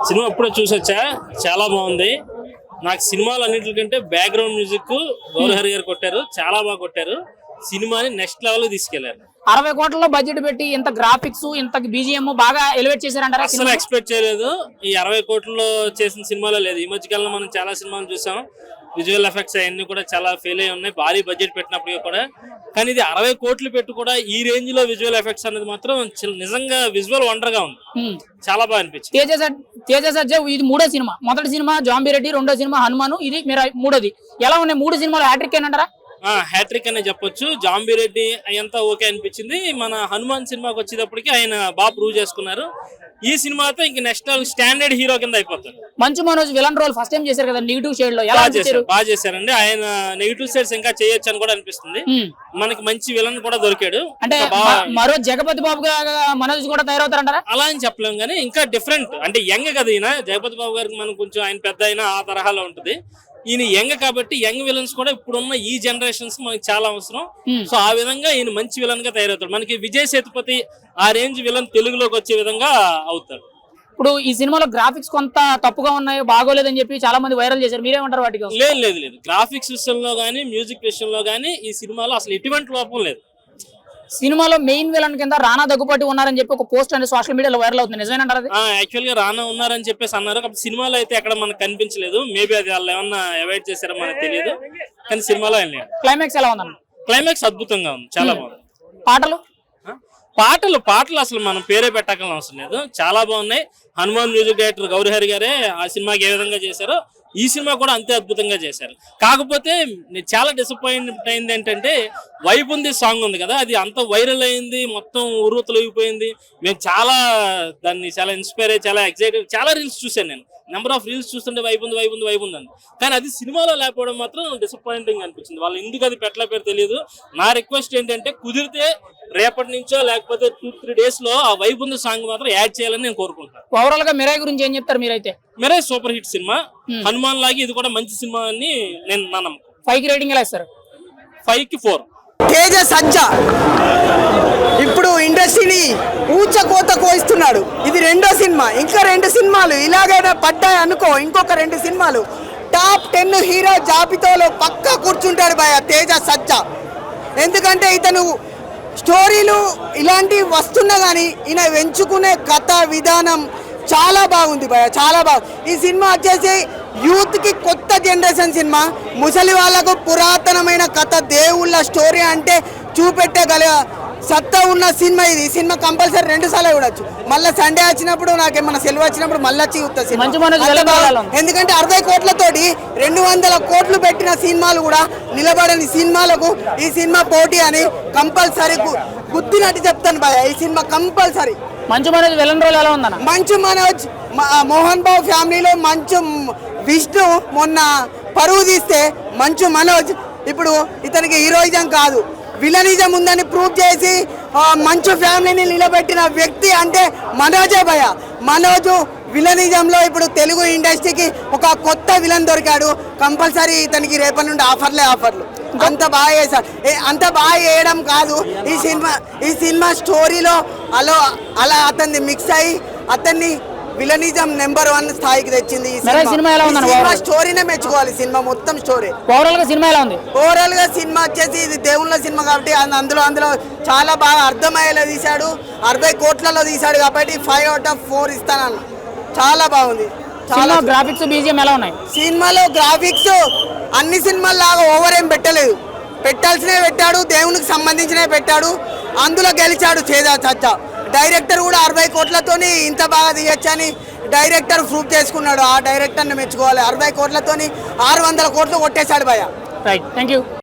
Cinema అప్పుడే చూసొచ్చా, చాలా బాగుంది. నాకు సినిమాలు అన్నింటికంటే బ్యాక్గ్రౌండ్ మ్యూజిక్ గౌరహరి గారు కొట్టారు, చాలా బాగా కొట్టారు. సినిమాని నెక్స్ట్ లెవెల్ తీసుకెళ్లారు. 60 కోట్లలో బడ్జెట్ పెట్టి ఇంత గ్రాఫిక్స్ ఇంత బీజిఎం బాగా ఎలివేట్ చేశారంటారా? అసలు ఎక్స్పెక్ట్ చేయలేదు. ఈ 60 కోట్లలో చేసిన సినిమాలో లేదు. ఈ మధ్యకాలంలో మనం చాలా సినిమాలు చూసాం, విజువల్ ఎఫెక్ట్స్ అవన్నీ కూడా చాలా ఫెయిల్ అయి ఉన్నాయి, భారీ బడ్జెట్ పెట్టినప్పటికీ కూడా. కానీ ఇది 60 కోట్లు పెట్టి కూడా ఈ రేంజ్ లో విజువల్ ఎఫెక్ట్స్ అనేది మాత్రం నిజంగా విజువల్ వండర్ గా ఉంది. చాలా బాగా అనిపించింది. తేజ సజ్జా ఇది మూడో సినిమా. మొదటి సినిమా జాంబిరెడ్డి, రెండో సినిమా హనుమాను, ఇది మీరు మూడోది. ఎలా ఉన్నాయి 3 సినిమాలు? హ్యాట్రిక్ ఏనంటారా? హ్యాట్రిక్ అనే చెప్పొచ్చు. జాంబిరెడ్డి అయ్యంతా ఓకే అనిపించింది. మన హనుమాన్ సినిమాకి వచ్చేటప్పటికి ఆయన బాగా ప్రూవ్ చేసుకున్నారు. ఈ సినిమాతో ఇంక నెక్స్ట్ స్టాండర్డ్ హీరో కింద అయిపోతారు. Manchu Manoj villain role first time చేశారు కదా, నెగిటివ్ షేడ్ లో. ఎలా చేశారు? బాగా చేశారండి. ఆయన నెగిటివ్ షేడ్స్ ఇంకా చేయొచ్చు అని కూడా అనిపిస్తుంది. మనకి మంచి విలన్ కూడా దొరికాడు. అంటే మరో జగపతి బాబు మనోజ్ కూడా తయారవుతారంటారా? అలా అని చెప్పలేము కానీ ఇంకా డిఫరెంట్, అంటే యంగ్ కదా ఈయన. జగపతి బాబు గారికి మనం కొంచెం ఆయన పెద్ద అయినా ఆ తరహాలో ఉంటుంది. ఈయన యంగ్ కాబట్టి యంగ్ విలన్స్ కూడా ఇప్పుడున్న ఈ జనరేషన్స్ మనకి చాలా అవసరం. సో ఆ విధంగా ఈయన మంచి విలన్ గా తయారవుతాడు. మనకి విజయ్ సేతుపతి ఆ రేంజ్ విలన్ తెలుగులోకి వచ్చే విధంగా అవుతాడు. ఇప్పుడు ఈ సినిమాలో గ్రాఫిక్స్ కొంత తప్పుగా ఉన్నాయి, బాగోలేదని చెప్పి చాలా మంది వైరల్ చేశారు. మీరేమంటారు వాటికి? లేదు, గ్రాఫిక్స్ విషయంలో గానీ మ్యూజిక్ విషయంలో గానీ ఈ సినిమాలో అసలు ఎటువంటి లోపం లేదు. సినిమాలో మెయిన్ విలన్ కింద రానా దగ్గుపాటి ఉన్నారని చెప్పి ఒక పోస్ట్ అనేది సోషల్ మీడియాలో వైరల్ అవుతుంది. నిజమేనంటారు? యాక్చువల్ గా రానా ఉన్నారని చెప్పేసి అన్నారు. కాబట్టి సినిమాలో అయితే ఎక్కడ మనకు కనిపించలేదు. మేబీ అది వాళ్ళు ఏమన్నా అవాయిడ్ చేశారో మనకు తెలియదు. కానీ సినిమాలో క్లైమాక్స్ ఎలా ఉందన్న? క్లైమాక్స్ అద్భుతంగా ఉంది, చాలా బాగుంది. పాటలు అసలు మనం పేరే పెట్టాల్సిన అవసరం లేదు, చాలా బాగున్నాయి. హనుమాన్ మ్యూజిక్ డైరెక్టర్ గౌరహరి గారే ఆ సినిమాకి ఏ విధంగా చేశారో ఈ సినిమా కూడా అంతే అద్భుతంగా చేశారు. కాకపోతే చాలా డిసప్పాయింట్ అయింది ఏంటంటే వైబ్ ఉంది సాంగ్ ఉంది కదా, అది అంత వైరల్ అయింది, మొత్తం ఉర్రూతలైపోయింది. మేము దాన్ని చాలా ఇన్స్పైర్ అయ్యి చాలా ఎక్సైటెడ్, చాలా రీల్స్ చూశాను నేను. నెంబర్ ఆఫ్ రీల్స్ చూస్తుంటే వైబ్ ఉంది అని. కానీ అది సినిమాలో లేకపోవడం మాత్రం డిసప్పాయింటింగ్ అనిపించింది. వాళ్ళు ఎందుకు అది పెట్టలేపారు తెలియదు. నా రిక్వెస్ట్ ఏంటంటే కుదిరితే రేపటి నుంచో లేకపోతే 2-3 డేస్ లో ఆ వైబ్ ఉంది సాంగ్ మాత్రం యాడ్ చేయాలని నేను కోరుకుంటాను. ఓవరాల్ గా మిరాయ్ గురించి ఏం చెప్తారు మీరైతే? Mirai super hit cinema. Hanuman లాగి ఇది కూడా మంచి సినిమా అని నేను నా నమ్మకం. 5 కి రేటింగ్ ఎలా ఇస్తారు? 5కి 4. తేజ సజ్జా ఇప్పుడు ఇండస్ట్రీని ఊచకోత కోయిస్తున్నాడు. ఇది రెండో సినిమా. ఇంకా 2 సినిమాలు ఇలాగైనా పడ్డాయి అనుకో, ఇంకొక 2 సినిమాలు టాప్ 10 హీరో జాబితాలో పక్కా కూర్చుంటాడు భయ తేజ సజ్జా. ఎందుకంటే ఇతను స్టోరీలు ఇలాంటివి వస్తున్నా కానీ ఈయన ఎంచుకునే కథ విధానం చాలా బాగుంది భయ, చాలా బాగుంది. ఈ సినిమా వచ్చేసి యూత్కి కొత్త జనరేషన్ సినిమా, ముసలి వాళ్ళకు పురాతనమైన కథ, దేవుళ్ళ స్టోరీ అంటే చూపెట్టగల సత్తా ఉన్న సినిమా ఇది. ఈ సినిమా కంపల్సరీ 2 సార్లు చూడొచ్చు. మళ్ళీ సండే వచ్చినప్పుడు, నాకేమన్నా సెలవు వచ్చినప్పుడు మళ్ళీ వచ్చి చూస్తా. ఎందుకంటే 60 కోట్లతోటి 200 కోట్లు పెట్టిన సినిమాలు కూడా నిలబడని సినిమాలకు ఈ సినిమా పోటీ అని కంపల్సరీ గుద్దినట్టు చెప్తాను భయ. ఈ సినిమా కంపల్సరీ. మంచు మనోజ్ విలన్ రోల్ ఎలా ఉందన్న? మంచు మనోజ్ మోహన్ బాబు ఫ్యామిలీలో మంచు విష్ణు మొన్న పరువు తీస్తే మంచు మనోజ్ ఇప్పుడు ఇతనికి హీరోయిజం కాదు విలనిజం ఉందని ప్రూవ్ చేసి మంచు ఫ్యామిలీని నిలబెట్టిన వ్యక్తి అంటే మనోజే భయ. మనోజు విలనిజంలో ఇప్పుడు తెలుగు ఇండస్ట్రీకి ఒక కొత్త విలన్ దొరికాడు. కంపల్సరీ ఇతనికి రేపటి నుండి ఆఫర్లు. అంత బాగా చేశారు. అంత బాగా చేయడం కాదు, ఈ సినిమా స్టోరీలో అలా అతన్ని మిక్స్ అయ్యి అతన్ని విలనిజం నెంబర్ 1 స్థాయికి తెచ్చింది. సినిమా స్టోరీనే మెచ్చుకోవాలి. సినిమా మొత్తం స్టోరీ. ఓవరాల్ గా సినిమా ఎలా ఉంది? ఓవరాల్ గా సినిమా వచ్చేసి ఇది దేవుళ్ళ సినిమా కాబట్టి అందులో చాలా బాగా అర్థమయ్యేలా తీశాడు. 60 కోట్లలో తీశాడు కాబట్టి 5/4 ఇస్తానన్న. చాలా బాగుంది. గ్రాఫిక్స్ బీజిఎం ఎలా ఉన్నాయి? సినిమాలో గ్రాఫిక్స్ అన్ని సినిమాల లాగా ఓవర్ ఏం పెట్టలేదు, పెట్టాల్సినవి పెట్టాడు, దేవునికి సంబంధించినవి పెట్టాడు. అందులో గెలిచాడు తేజ సజ్జా. డైరెక్టర్ కూడా 60 కోట్లతోని ఇంత బాగా తీయచ్చని డైరెక్టర్ ప్రూవ్ చేసుకున్నాడు. ఆ డైరెక్టర్ని మెచ్చుకోవాలి. 60 కోట్లతోని 600 కోట్లు కొట్టేశాడు భయ. Right, thank you.